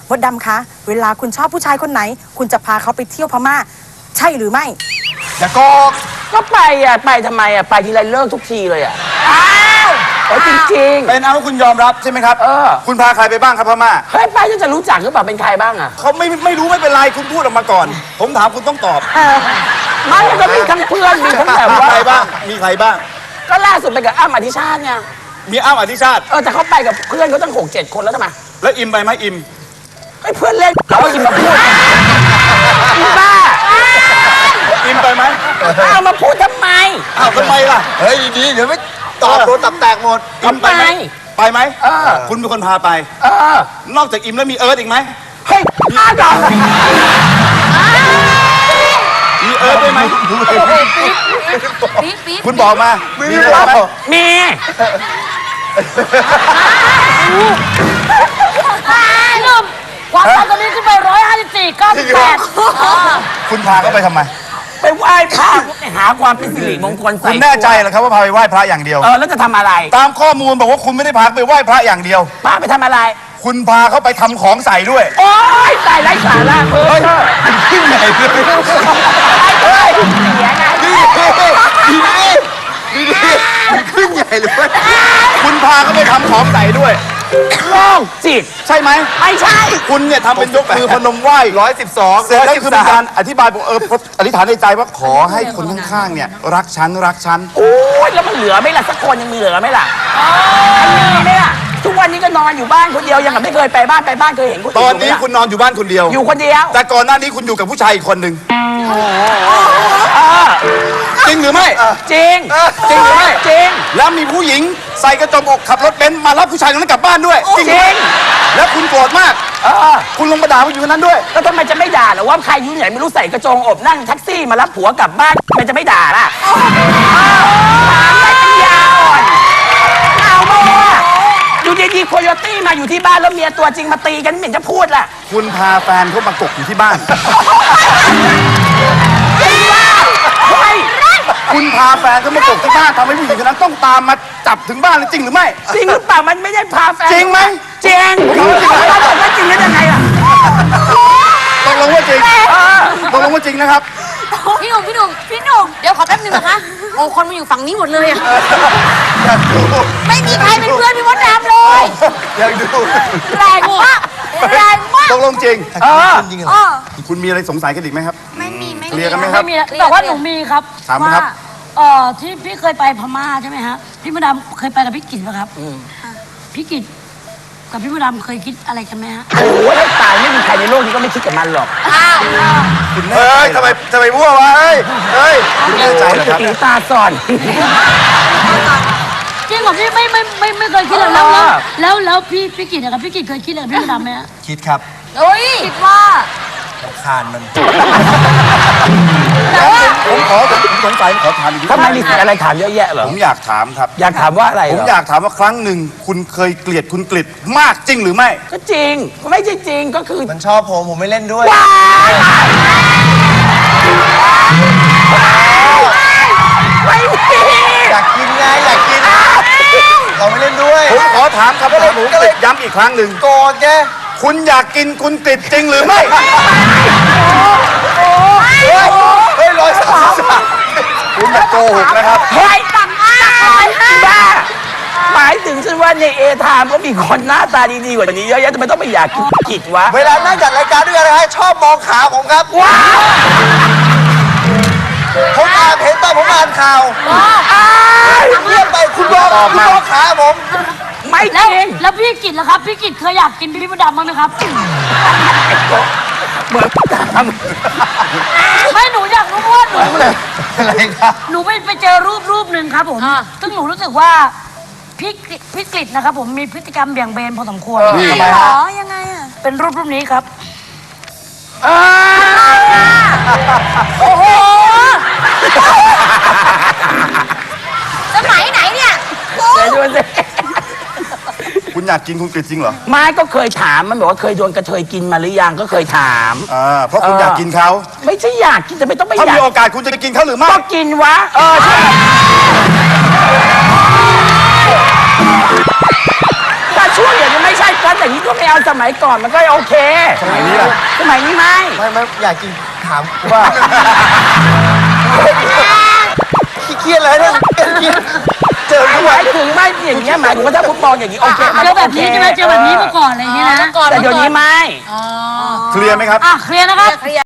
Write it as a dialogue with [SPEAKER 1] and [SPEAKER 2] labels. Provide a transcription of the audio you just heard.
[SPEAKER 1] มดดำคะเวลาคุณชอบผู้ชายคนไหน คุณจะพาเขาไปเที่ยวพม่าใช่หรือไม่
[SPEAKER 2] อย่าโกก
[SPEAKER 3] ก็ไปอ่ะไปทำไมอ่ะไปทีไรเลิกทุกทีเลยอ่ะอ้าวจริงๆ
[SPEAKER 2] เป็นเอาคุณยอมรับใช่ไหมครับคุณพาใครไปบ้างครับพม่า
[SPEAKER 3] เฮ้ยไปจะรู้จักหรือเปล่าเป็นใครบ้างอ่ะ
[SPEAKER 2] เขาไม่รู้ไม่เป็นไรคุณพูดออกมาก่อนผมถามคุณต้องตอบ
[SPEAKER 3] มันก็มีทั้งเพื่อนมีทั้งแบบว่า
[SPEAKER 2] ใครบ้างมีใครบ้าง
[SPEAKER 3] ก็ล่าสุดไปกับอ้ำอธิชาติไง
[SPEAKER 2] มีอ้ำอธิชาติ
[SPEAKER 3] แต่เขาไปกับเพื่อนเขาตั้ง6-7 คนแล้วทำไม
[SPEAKER 2] แล้วอิมไปไหมอิม
[SPEAKER 3] ให้เพื่อนเล่นเราอิมมาพูดอิมบ้า
[SPEAKER 2] อิมไปไหม
[SPEAKER 3] เอามาพูดทำไม
[SPEAKER 2] ทำไมล่ะ
[SPEAKER 4] เฮ้ยดีเดี๋ยวไม่ตอบโดนตับแตกหมด
[SPEAKER 2] อิมไปไหมไปไหมคุณเป็นคนพาไปนอกจากอิมแล้วมีเอิร์ธอีกไหม
[SPEAKER 3] เฮ้ยอ้าวก่อน
[SPEAKER 2] มีเอิร์ธได้ไหมคุณบอกมามีอะไรไหม
[SPEAKER 3] มี
[SPEAKER 5] ความดันตอนนี้ขึ้นไป154 98
[SPEAKER 2] คุณพาเขาไปทำไม
[SPEAKER 3] ไปไหว้พระหาความเป็นสิริมงคลใส่
[SPEAKER 2] คุณแน่ใจเหรอครับว่าพาไปไหว้พระอย่างเดียว
[SPEAKER 3] แล้วจะทำอะไร
[SPEAKER 2] ตามข้อมูลบอกว่าคุณไม่ได้พาไปไหว้พระอย่างเดียว
[SPEAKER 3] พาไปทำอะไร
[SPEAKER 2] คุณพาเขาไปทำของใส่ด้วย
[SPEAKER 3] โอ๊ยตายไร้สาระ
[SPEAKER 2] ขึ้นไหนเลย
[SPEAKER 4] ดีขึ้นใหญ่เลย
[SPEAKER 2] คุณพาเขาไปทำของใส่ด้วย
[SPEAKER 3] โรคจิต
[SPEAKER 2] ใช่ไหม
[SPEAKER 3] ไม่ใช่
[SPEAKER 2] คุณเนี่ยทำเป็นยกมือพนมไหว้112เสร็จแล้วคือเป็นการอธิบายบอกอธิษฐานในใจว่าขอให้คนข้างๆเนี่ยรักฉัน
[SPEAKER 3] โอ้ยแล้วมันเหลือไหมล่ะสักคนยังมีเหลือไหมล่ะมีไหมล่ะทุกวันนี้ก็นอนอยู่บ้านคนเดียวยังไม่เคยไปบ้านเคยเห็นคน
[SPEAKER 2] ตอนนี้คุณนอนอยู่บ้านคนเดียว
[SPEAKER 3] อยู่คนเดียว
[SPEAKER 2] แต่ก่อนหน้านี้คุณอยู่กับผู้ชายอีกคนหนึ่งจริงหรือไม่
[SPEAKER 3] จริง
[SPEAKER 2] หรือไม่
[SPEAKER 3] จริง
[SPEAKER 2] แล้วมีผู้หญิงใส่กระจกอกขับรถเบนซ์มารับผู้ชายคนนั้นกลับบ้านด้วย
[SPEAKER 3] จริง
[SPEAKER 2] แล้วคุณโกรธมากคุณลงมาด่าผู้หญิงคนนั้นด้วย
[SPEAKER 3] แล้วทำไมจะไม่ด่าหรอว่าใครยุ่งใหญ่ไม่รู้ใส่กระโจงอบนั่งแท็กซี่มารับผัวกลับบ้านมันจะไม่ด่าล่ะถามได้ปัญญาอ่อนเอาโม่อยู่ดีๆโคโยตี้มาอยู่ที่บ้านแล้วเมียตัวจริงมาตีกันไม่เห็นจะพูดล่ะ
[SPEAKER 2] คุณพาแฟนเขามากกอยู่ที่บ้านคุณพาแฟนเขามากกที่บ้านทำให้ผู้หญิงคนนั้นต้องตามมาจับถึงบ้านจริงหรือไม่
[SPEAKER 3] จริงหรือเปล่ามันไม่ได้พาแฟน
[SPEAKER 2] จริงไหม
[SPEAKER 3] จริงเราบอกว่าจริงได้ยังไงล่ะ
[SPEAKER 2] ตกลงว่าจริงนะครับ
[SPEAKER 5] พี่หนุ่มเดี๋ยวขอแป๊บนึงนะคะโอ้คนมาอยู่ฝั่งนี้หมดเลยอะไม่มีใครเป็นเพื่อนพี่มดดำเลย
[SPEAKER 2] อยากดู
[SPEAKER 5] แรงมาก
[SPEAKER 2] ตกลงจริง
[SPEAKER 4] จริงเหรอ
[SPEAKER 2] คุณมีอะไรสงสัยกันอีกไหมครับ
[SPEAKER 5] ไม่มี
[SPEAKER 2] เคลียร์กันไหมครับ
[SPEAKER 5] แต่ว่าหนูมีครับ
[SPEAKER 2] ถามครับ
[SPEAKER 5] ที่พี่เคยไปพม่าใช่ไหมฮะพี่มดดำเคยไปกับพี่กิตไหมครับพี่กิตกับพี่มดดำเคยคิดอะไรกันไหมฮะ
[SPEAKER 3] โอ้ยตายไม่มีใครในโลกนี้ก็ไม่คิดกับมันหรอก
[SPEAKER 2] คุณแน่ใจทำไมมั่ววะเฮ้ยคุณแน่ใจเหรอครับ
[SPEAKER 3] ตาซ่อน
[SPEAKER 5] จริงเหรอพี่ไม่เคยคิดเลยแล้วพี่กิตนะครับพี่กิตเคยคิดอะไรกับพี่มดดำไหมฮะ
[SPEAKER 4] คิดครับ
[SPEAKER 5] คิดว่า
[SPEAKER 4] คานมัน
[SPEAKER 2] ผมสงสัยขอถามอีกที
[SPEAKER 3] ทำไมมีอะไรถามเยอะแยะเหรอ
[SPEAKER 2] ผมอยากถามครับ
[SPEAKER 3] อยากถามว่าอะไร
[SPEAKER 2] ผมอยากถามว่าครั้งหนึ่งคุณเคยเกลียดคุณกฤษมากจริงหรือไม่
[SPEAKER 3] ก็จริงไม่ใช่จริงก็คือ
[SPEAKER 4] มันชอบผมไม่เล่นด้วย
[SPEAKER 3] ไม่
[SPEAKER 4] อยากกินไงอยากกินเราไม่เล่นด้วย
[SPEAKER 2] ผมขอถามครับว่าผมย้ำอีกครั้งหนึ่ง
[SPEAKER 4] โกรธแก
[SPEAKER 2] คุณอยากกินคุณกฤษจริงหรือไม่เฮ้ย133คุณอย่าโกหกนะครับ
[SPEAKER 3] เฮ้ยต่ำมากบ้าหมายถึงฉันว่าในเอทามก็มีคนหน้าตาดีๆกว่านี้เยอะแยะทำไมต้องไปอยากกินกิจวะ
[SPEAKER 4] เวลานั่งจัดรายการด้วยกันนะฮะชอบมองขาผมครับ
[SPEAKER 3] ว้าว
[SPEAKER 4] ผมเห็นตอนผมอ่านข่าวเรียกไปคุณมองขาผม
[SPEAKER 3] ไม่จริง
[SPEAKER 5] แล้วพี่กิตล่ะครับพี่กิตเคยอยากกินพี่มดดำไหมครับ
[SPEAKER 3] เหมือน
[SPEAKER 5] ไม่หนูอยากรู้ว่าหนู
[SPEAKER 4] อะไรครับ
[SPEAKER 5] หนูไปเจอรูปหนึ่งครับผมซึ่งหนูรู้สึกว่าพี่กฤษนะครับผมมีพฤติกรรมเบี่ยงเบนพอสมควร
[SPEAKER 2] ทำไมฮะ
[SPEAKER 5] ยังไงอ่ะเป็นรูปนี้ครับโอ้โหสมัยไหนเนี่ย
[SPEAKER 3] เดี๋ยวดูสิ
[SPEAKER 2] คุณอยากกินคุณกฤษจริงเหรอ
[SPEAKER 3] ไม่ก็เคยถามมันบอกว่าเคยโดนกระเทยกินมาหรือยังก็เคยถาม
[SPEAKER 2] เพราะคุณอยากกินเขา
[SPEAKER 3] ไม่ใช่อยากกินแต่ไม่ต้องไปอยาก
[SPEAKER 2] ถ้ามีโอกาสคุณจะกินเขาหรือไม่
[SPEAKER 3] ก็กินวะใช่ถ้าช่วงอย่างนี้ไม่ใช่ไม่ก็อย่างนี้ก็ไม่เอาสมัยก่อนมันก็โอเค
[SPEAKER 2] สมัยนี้ล่ะ
[SPEAKER 3] สมัยนี้ไม่
[SPEAKER 4] ไม่อยากกินถามว่าเครียดอะไรเนี่ยเครียดเจอทุก
[SPEAKER 3] ห
[SPEAKER 4] วั
[SPEAKER 3] มาน ยถึงไม่อย่างเงี้ยหมายถึงว่าถ้าฟุตบอลอย่างนี้โอเคมัน
[SPEAKER 5] เจ
[SPEAKER 3] ก็
[SPEAKER 5] อแบบนี้ใช่ไหมเจอแบบนี้เมื่อก่อนอะไรอย่างเงี้ยนะ
[SPEAKER 3] แต่เดี๋ยวนี้ไม่
[SPEAKER 2] เคลียร์ไหมครับ
[SPEAKER 5] เคลียร์นะครับ